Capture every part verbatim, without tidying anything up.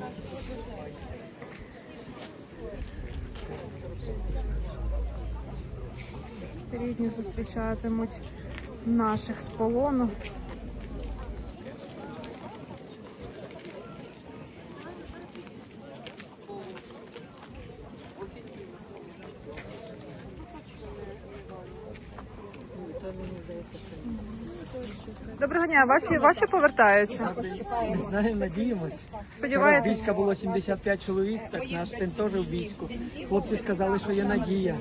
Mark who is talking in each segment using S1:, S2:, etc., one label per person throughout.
S1: Рідні зустрічатимуть наших з полону. Доброго дня, ваші, ваші повертаються?
S2: Не знаю, надіємось.
S1: Сподіваєтесь?
S2: В війська було сімдесят п'ять чоловік, так наш син теж в війську. Хлопці сказали, що є надія.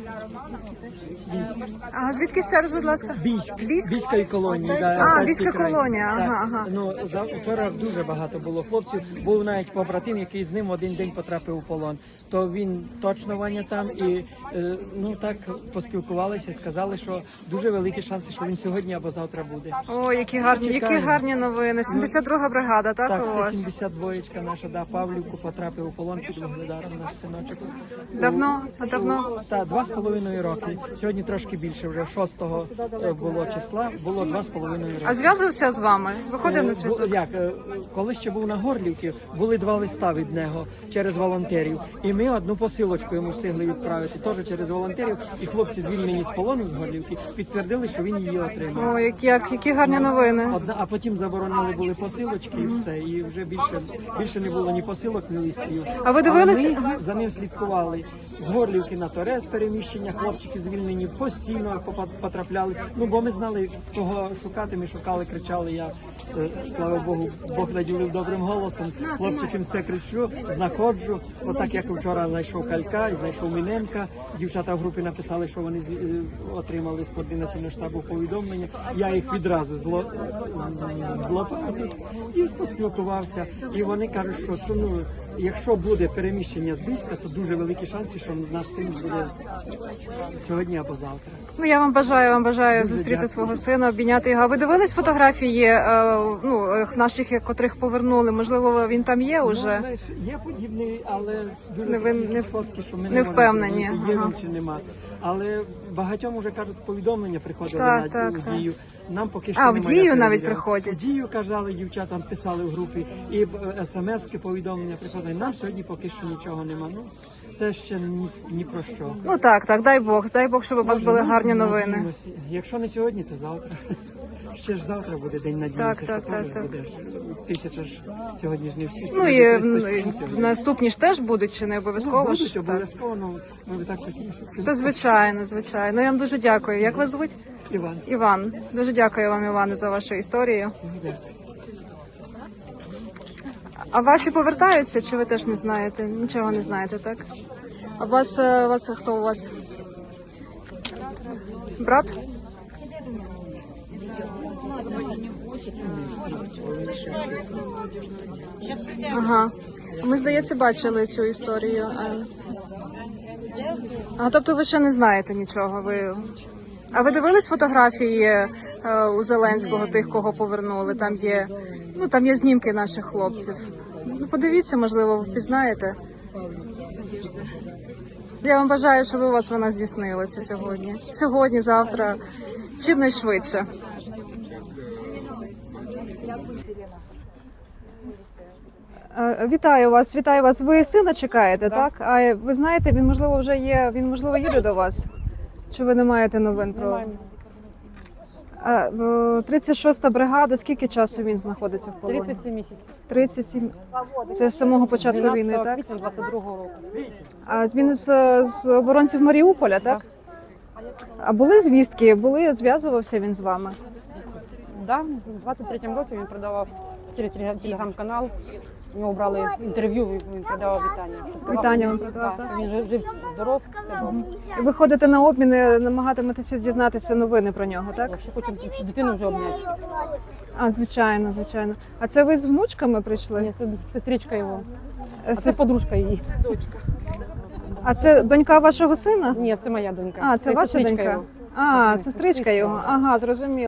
S2: Військ.
S1: А звідки ще раз, будь ласка?
S2: Бійськ.
S1: Бійськ?
S2: Бійської колонії. Да,
S1: А,
S2: Алтайський
S1: Бійська
S2: край.
S1: колонія,
S2: Так.
S1: ага, ага.
S2: Ну, за, вчора дуже багато було хлопців. Був навіть побратим, який з ним один день потрапив у полон. То він точно Ваня там і е, ну так поспілкувалися, сказали, що дуже великі шанси, що він сьогодні або завтра буде.
S1: О, які гарні, які
S2: Чекаємо.
S1: гарні новини. сімдесят друга бригада, так,
S2: Так,
S1: у
S2: це
S1: вас?
S2: сімдесят двоєчка наша, да, Павлівку потрапив у полон під Вугледаром, наш синочок.
S1: Давно? А давно?
S2: Так, два з половиною роки. Сьогодні трошки більше, вже шостого було числа, було два з половиною роки.
S1: А зв'язувався з вами? Виходив на
S2: Е,
S1: зв'язок?
S2: бу- Як, е, коли ще був на Горлівці, були два листа від нього через волонтерів. І ми одну посилочку йому встигли відправити, теж через волонтерів. І хлопці, звільнені з полону з Горлівки, підтвердили, що він її отримав.
S1: О, які, як, які гарні новини.
S2: Одна, а потім заборонили були посилочки і все, і вже більше, більше не було ні посилок, ні листів.
S1: А ви дивилися?
S2: Але ми за ним слідкували. З Горлівки на Торез переміщення, хлопчики звільнені постійно попа- потрапляли. Ну, бо ми знали, кого шукати, ми шукали, кричали. Я, е, слава Богу, Бог наділив добрим голосом. Хлопчикам все кричу, знаходжу. Отак, як вчора знайшов Калька і знайшов Міненка. Дівчата в групі написали, що вони з- е, отримали з координаційного штабу повідомлення. Я їх відразу зло з- злопатив і поспілкувався. І вони кажуть, що, що ну, якщо буде переміщення з Бійська, то дуже великі шанси, що наш син буде сьогодні або завтра.
S1: Ну, я вам бажаю, вам бажаю
S2: Дуже
S1: зустріти
S2: дякую.
S1: свого сина, обійняти його. А ви дивились фотографії е, ну, е, наших, котрих повернули? Можливо, він там є
S2: Ну,
S1: уже?
S2: знаєш, є подібний, але дуже
S1: Не ви-
S2: такі
S1: не-
S2: фотки, що ми
S1: не
S2: не можемо
S1: впевнені,
S2: зрозуміти, є
S1: ага.
S2: він чи нема. Але багатьом вже кажуть, повідомлення приходили
S1: Так,
S2: на
S1: так,
S2: в
S1: так.
S2: дію. Нам поки що
S1: А, в
S2: немає,
S1: Дію
S2: я
S1: навіть
S2: перевіряв.
S1: приходять?
S2: В дію казали, дівчатам писали в групі, і смс-ки повідомлення приходили. Нам сьогодні поки що нічого нема. Ну це ще ні, ні про що.
S1: Ну так, так, дай Бог, дай Бог, щоб у вас
S2: Може,
S1: були
S2: ну,
S1: гарні новини.
S2: надіємося. Якщо не сьогодні, то завтра. Ще ж завтра буде день надіємося,
S1: Так, так,
S2: що
S1: так,
S2: теж
S1: так.
S2: буде ж тисяча ж сьогодні ж не всі.
S1: Ну
S2: Може,
S1: і
S2: триста
S1: м,
S2: сім сьогодні.
S1: наступні ж теж будуть, чи не обов'язково?
S2: Ну,
S1: ж?
S2: будуть
S1: Так.
S2: обов'язково, ну, ми б так хотіли, щоб
S1: Та звичайно, звичайно. Я вам дуже дякую. Як вас звуть?
S2: Іван.
S1: Іван. Дуже дякую вам, Іване, за вашу історію.
S2: Дякую.
S1: А ваші повертаються, чи ви теж не знаєте? Нічого не знаєте, так? А у вас, е, у вас хто у вас? Брат? Ага. Ми, здається, бачили цю історію. А, а тобто ви ще не знаєте нічого. Ви... А ви дивились фотографії е, у Зеленського, тих, кого повернули? Там є, ну, там є знімки наших хлопців. Ну, подивіться, можливо, ви впізнаєте. Я вам бажаю, щоб у вас вона здійснилася сьогодні. Сьогодні, завтра, чим найшвидше. Е, Вітаю вас, вітаю вас. Ви сина чекаєте, так? А ви знаєте, він можливо вже є, він можливо їде до вас? Чи ви не маєте новин про? А, е, тридцять шоста бригада, скільки часу він знаходиться в полоні?
S3: тридцять сім місяців.
S1: тридцять сім. Це з самого початку війни, так?
S3: квітня двадцять другого року.
S1: А він з, з оборонців Маріуполя, так? А були звістки, були, зв'язувався він з вами?
S3: Да, в двадцять третьому році він продавав через телеграм-канал. У нього брали інтерв'ю, він продавав вітання.
S1: Вітання він продавав,
S3: Так,
S1: так?
S3: він жив, жив здоров, все добре.
S1: І ви ходите на обміни, намагатиметеся дізнатися новини про нього, так?
S3: Якщо хочемо дитину вже обняти.
S1: А, звичайно, звичайно. А це ви з внучками прийшли?
S3: Ні, це сестричка його.
S1: Е,
S3: А це
S1: сес-
S3: подружка її.
S1: А це донька вашого сина?
S3: Ні, це моя донька.
S1: А, це ваша
S3: сестричка
S1: донька?
S3: його.
S1: А, сестричка його. Ага, зрозуміло.